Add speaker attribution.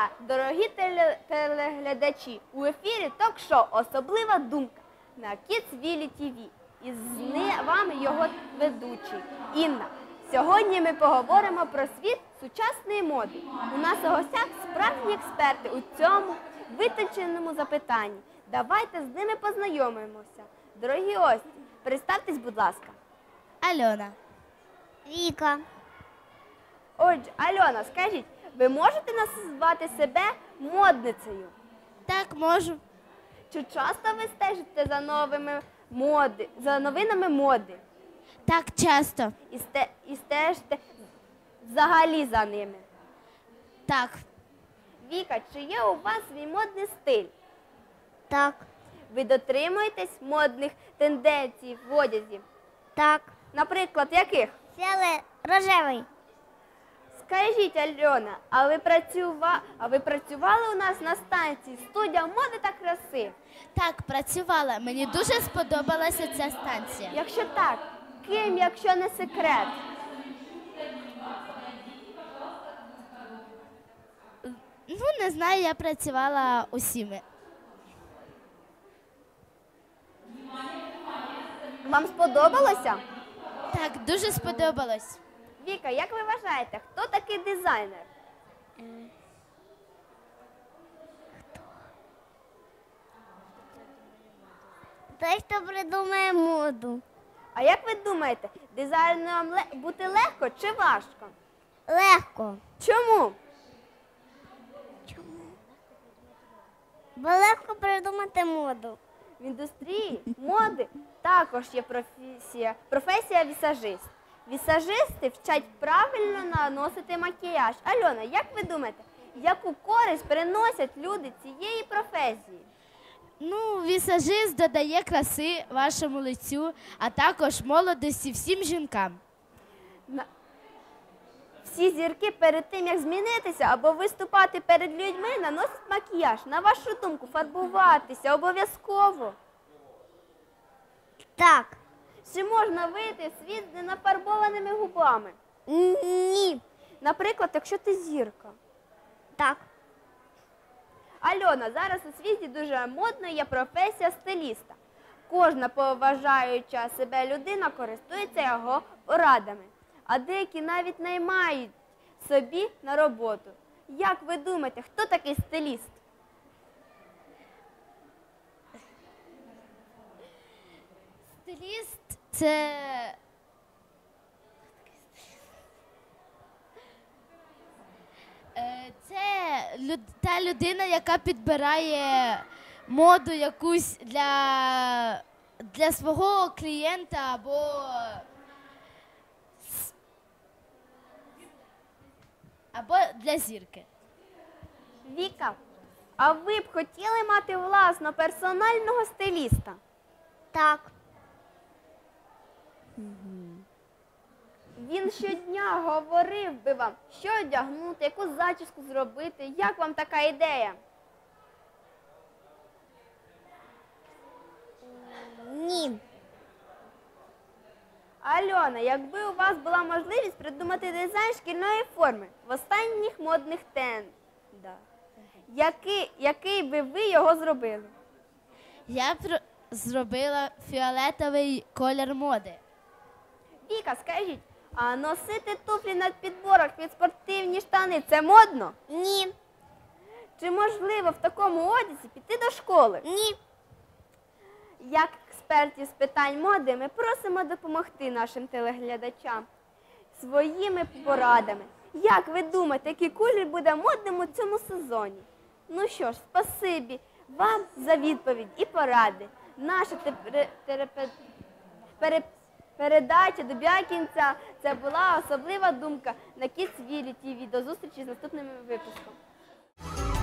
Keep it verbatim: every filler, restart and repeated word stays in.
Speaker 1: дня, дорогі теле- телеглядачі! У ефірі ток-шоу «Особлива думка» на Кідсвілі ТВ. І з ни- вами його ведучий Інна. Сьогодні ми поговоримо про світ сучасної моди. У нас у гостях справжні експерти у цьому витонченому запитанні. Давайте з ними познайомимося. Дорогі гості, представтесь, будь ласка.
Speaker 2: Альона.
Speaker 3: Віка.
Speaker 1: Отже, Альона, скажіть, ви можете назвати себе модницею?
Speaker 2: Так, можу.
Speaker 1: Чи часто ви стежите за новими моди, за новинами моди?
Speaker 2: Так, часто.
Speaker 1: І, сте, і стежите взагалі за ними?
Speaker 2: Так.
Speaker 1: Віка, чи є у вас свій модний стиль?
Speaker 3: Так.
Speaker 1: Ви дотримуєтесь модних тенденцій в одязі?
Speaker 3: Так.
Speaker 1: Наприклад, яких?
Speaker 3: Фіолет рожевий.
Speaker 1: Скажіть, Альона, а ви, працюва... а ви працювали у нас на станції «Студія моди та краси»?
Speaker 2: Так, працювала. Мені дуже сподобалася ця станція.
Speaker 1: Якщо так, ким, якщо не секрет?
Speaker 2: Ну, не знаю, я працювала усіми.
Speaker 1: Вам сподобалося?
Speaker 2: Так, дуже сподобалось.
Speaker 1: Віка, як ви вважаєте, хто такий дизайнер?
Speaker 3: Той, хто придумає моду.
Speaker 1: А як ви думаєте, дизайнером ле- бути легко чи важко?
Speaker 3: Легко.
Speaker 1: Чому?
Speaker 3: Бо легко придумати моду.
Speaker 1: В індустрії моди також є професія, професія вісажист. Вісажисти вчать правильно наносити макіяж. Альона, як ви думаєте, яку користь приносять люди цієї професії?
Speaker 2: Ну, вісажист додає краси вашому лицю, а також молодості всім жінкам.
Speaker 1: На- Всі зірки перед тим, як змінитися або виступати перед людьми, наносять макіяж. На вашу думку, фарбуватися обов'язково?
Speaker 3: Так.
Speaker 1: Чи можна вийти в світ з ненафарбованими губами?
Speaker 3: Ні.
Speaker 1: Наприклад, якщо ти зірка.
Speaker 3: Так.
Speaker 1: Альона, зараз у світі дуже модною є професія стиліста. Кожна поважаюча себе людина користується його порадами, а деякі навіть наймають собі на роботу. Як ви думаєте, хто такий стиліст?
Speaker 2: Стиліст – це... Е, Це люд- та людина, яка підбирає моду якусь для, для свого клієнта або, с- або для зірки.
Speaker 1: Віка, а ви б хотіли мати власного персонального стиліста?
Speaker 3: Так.
Speaker 1: Він щодня говорив би вам, що одягнути, яку зачіску зробити. Як вам така ідея?
Speaker 3: Ні.
Speaker 1: Альона, якби у вас була можливість придумати дизайн шкільної форми в останніх модних трендах, який, який би ви його зробили?
Speaker 2: Я б зробила фіолетовий колір моди.
Speaker 1: Віка, скажіть, а носити туфлі на підборах під спортивні штани – це модно?
Speaker 3: Ні.
Speaker 1: Чи можливо в такому одязі піти до школи?
Speaker 3: Ні.
Speaker 1: Як експертів з питань моди ми просимо допомогти нашим телеглядачам своїми порадами. Як ви думаєте, який колір буде модним у цьому сезоні? Ну що ж, спасибі вам за відповідь і поради. Наша тепер- терапе- пере- передача добігає кінця. Це була особлива думка на Кідсвілі ТВ. До зустрічі з наступним випуском.